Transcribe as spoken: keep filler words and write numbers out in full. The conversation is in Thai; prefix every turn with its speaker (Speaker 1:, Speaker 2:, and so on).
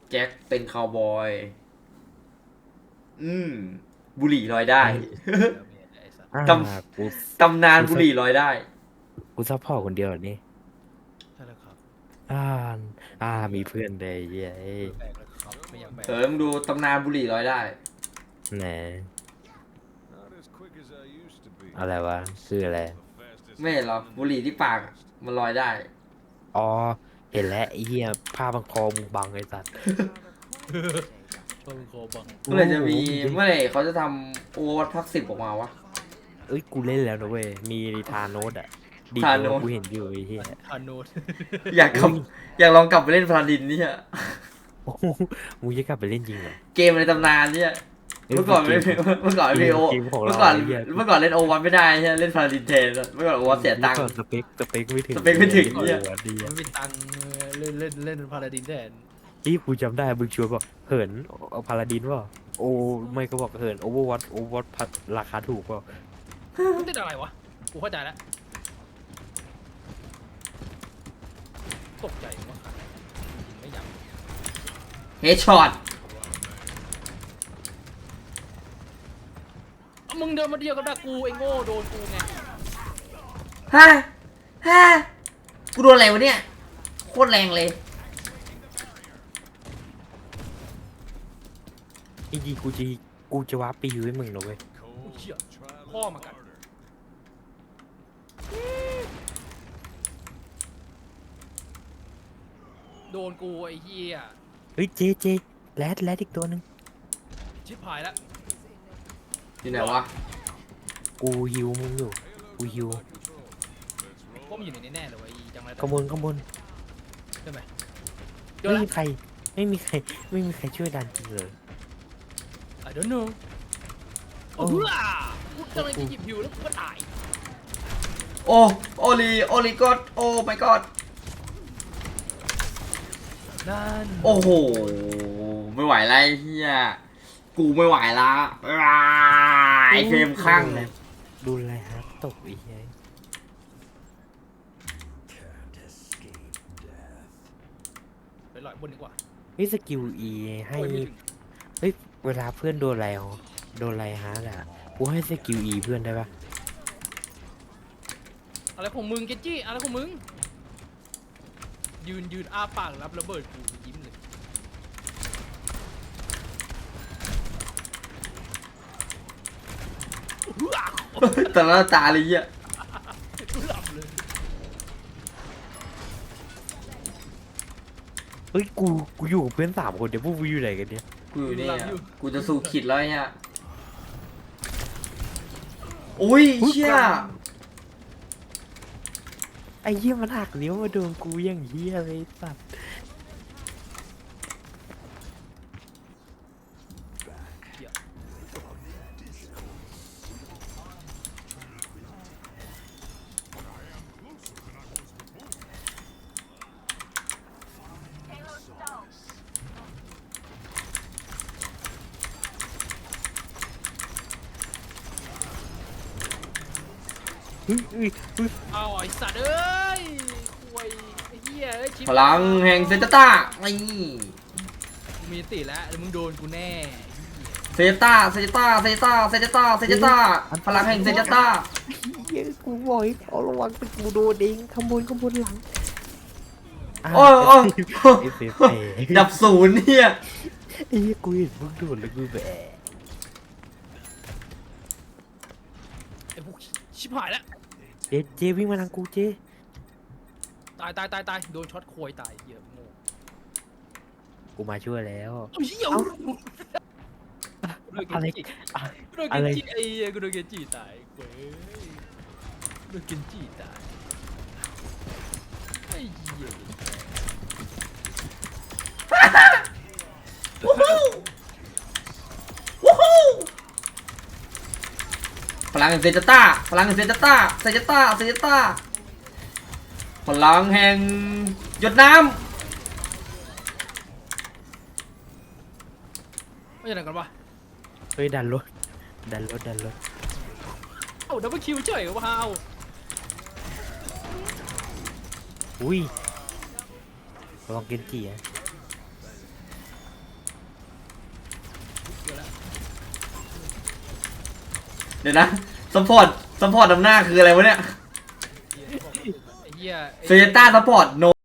Speaker 1: แจ็คเป็นคาวบอย อืม บุหรี่ลอยได้
Speaker 2: อ่า
Speaker 1: ต
Speaker 2: กู
Speaker 1: ำตำนานบุหรี่ลอยได้
Speaker 2: กูซัพพอร์ตคนเดียวเหรอนี่
Speaker 3: ใช่แล้วครับ
Speaker 2: อ่าอ่ามีเพื่อนเลยเย้ย
Speaker 3: แบกแล้วครับไม่อยากแบก
Speaker 1: เออมึงดูตำนานบุหรี่ลอยได้
Speaker 2: แหน
Speaker 4: Not as quick as I used to be.
Speaker 2: อะไรวะคืออะไร
Speaker 4: The fastest
Speaker 1: ไม่เห็นหรอบุหรี่ที่ปากอะมันลอยได้
Speaker 2: อ๋อเห็นแล้วไอ้เหี้ยผ้าบังคอมึงบังไอ้สัตว์
Speaker 3: ต้นโคบัง
Speaker 1: เมื่อไหร่จะมีเมื่อไหร่เขาจะทำโอวัตพักสิบออกมาวะ
Speaker 2: เอ้ยกูเล่นแล้วนะเว้ยมีทาโนสอะดี
Speaker 1: ทาโน
Speaker 2: โน
Speaker 1: ส
Speaker 2: กูเห็นอยู่ไอ้เหี้ย
Speaker 3: ฮานูด
Speaker 1: อยากกลับอยากลองกลับไปเล่นพลาดินเนี่ย
Speaker 2: โอ้โหมึงจะกลับไปเล่นจริงเหรอ
Speaker 1: เกมในตำนานเนี่ยเมื่อก่อนไม่เมื่อก่อนไม่โอ
Speaker 2: เกมของเรา
Speaker 1: เมื่อก่อน
Speaker 2: ไอ้เหี้ย
Speaker 1: เมื่อก่อนเล่นโอวัตไม่ได้ใช่ไหมเล่นพลาดินแทนเมื่อก่อนโอวัตเสียตังค์
Speaker 2: มื่อก่อนสเปคสเปคไม่ถึง
Speaker 1: สเปคไม่ถึง
Speaker 2: โอ้
Speaker 1: เนี่ย
Speaker 2: โหดี
Speaker 3: มั
Speaker 2: อะ
Speaker 3: นเป็นตังเล่นเล่นเล่นพาราดินแทน
Speaker 2: ที่กูจำได้มึงชวนบอกเหินเอาพาราดินว่าโอ้ไม่ก็บอกเหินโอเวอร์วัตโอเวอร์วัตราคาถูกเปล่า
Speaker 3: มันติดอะไรวะกูเข้าใจแล้วตกใจว่าไม่อยาก
Speaker 1: เฮดช็อต
Speaker 3: เอามึงเดินมาเดียวกับดากูไอ้โง่โดนกูไง
Speaker 1: ฮะฮะกูโดนอะไรวะเนี่ยโคตรแรงเลย
Speaker 2: จริงๆกูจะกูจะวาร์ปไปอยู่ให้มึงนะเว้ย
Speaker 3: กูเชี่ยพ่อมากันโดนกูไอ้เหี้ย
Speaker 2: เฮ้ยเจเจแรดแรดอีกตัวหนึ่ง
Speaker 3: ชิบหายแล้ว
Speaker 1: อยู่ไหนวะ
Speaker 2: กูฮิวมึงอยู่กูฮิว
Speaker 3: พวกมันอยู่ในนี้แน่เลยวะไอ้จังไร
Speaker 2: ข้างบนข้างบน
Speaker 3: ใช่ไหมเดี๋ยว
Speaker 2: ไม่
Speaker 3: ละ
Speaker 2: มีใครไม่มีใครไม่มีใครช่วยดันจริงเลย
Speaker 3: I don't know
Speaker 2: โอ้
Speaker 3: โอ้โหกูกำลังจะหยิบฮิวแล้วกูก็ตาย
Speaker 1: โอ้โอลีโอลีกอดโอ้ my god
Speaker 3: นั่น
Speaker 1: โอ้โหไม่ไหวแล้วไอ้เฮียกูไม่ไหวละอ้ายไอเฟรมข้าง
Speaker 2: ดูแลฮะตกอีกไง
Speaker 3: ไปลอยบนดีกว่า
Speaker 2: เฮ้ยสกิลอีให้
Speaker 3: โอ้ยไม่ถึง
Speaker 2: เฮ้ยเวลาเพื่อนโดนอะไรอ๋อโดนอะไรฮะอ่ะกูให้สกิลอีเพื่อนได้ปะ
Speaker 3: อะไรของมึงเกจจี้อะไรของมึงยืนยืนอ้าปากรับระเบิดกูยิ้มเลย
Speaker 1: แต่ละตาเลยเฮีย
Speaker 3: กูหลับเลย
Speaker 2: เฮ้ยกูกูอยู่กับเพื่อนสามคนเดี๋ยวพวกกูอยู่ไหนกันเนี่ย
Speaker 1: กูอยู่นี่อะกูจะสู้ขิดแล้วเนี่ยอุ้ยเชี่ย
Speaker 2: ไอ้เหี้ยมันหักนิ้วมาโดนกูอย่างเหี้ยเลยสัตว์ เฮ้ยเฮ้ยเฮ้ย
Speaker 3: เอาไอ้สัตว์เอ้ยควยไอ้เหี้ยเอ้ยชิบ
Speaker 1: พลังแห่งเซนต้านี่
Speaker 3: กูมีติแล้วแล้วมึงโดนกูแน่
Speaker 1: เซนต้าเซนต้าเซนต้าเซนต้าเซนต้าพลังแห่งเซนต้า
Speaker 2: เหี้ยกูบอกให้เอาระวังเป็นกูโดนเองขโมยขโมยหลังะ
Speaker 1: โอ้ยโอ้ย
Speaker 2: ไอ้เฟฟเอ้ย
Speaker 1: ดับศูนย์เนี่ย
Speaker 2: ไอ้เหี้ยกูเห็นมึงโดนแล้วกูแบบ
Speaker 3: ไอ้พวกชิบหายแล้ว
Speaker 2: เจเจวิ่งมาทางกูเจ
Speaker 3: ตายตายตายตายโดนช็อตควยตายเหี้ยโง่
Speaker 2: กูมาช่วยแล้ว
Speaker 3: เอาเหี้ย
Speaker 2: เอ้า
Speaker 3: กูโดนเก
Speaker 2: อะไร
Speaker 3: จิ
Speaker 2: อะ
Speaker 3: กูโดนเก
Speaker 2: อะไร
Speaker 3: จิไอ้เหี้ยกูโดนเกจิตายเว้ยกูโดนเกจิตายไอ้เหี้ย
Speaker 1: วู้ฮู้วู้ฮู้พลังแห่งเซนต้าพลังแห่งเซนต้าเซนต้าเซนต้าพลังแห่งหยดน้
Speaker 3: ไม่ใช่ไหนกันวะ
Speaker 2: เฮ้ยดันรถดันรถดันรถ
Speaker 3: เอ้าดับเบิลคิวเฉยว้าว
Speaker 2: อุ้ยระวังเกนจิอะ
Speaker 1: เดี๋ยวนะซัพพอร์ตซัพพอร์ตนำหน้าคืออะไรวะเนี่ย
Speaker 3: ไอ้เหี้ยไอ้
Speaker 1: เซเจต้าซัพพอร์ตโน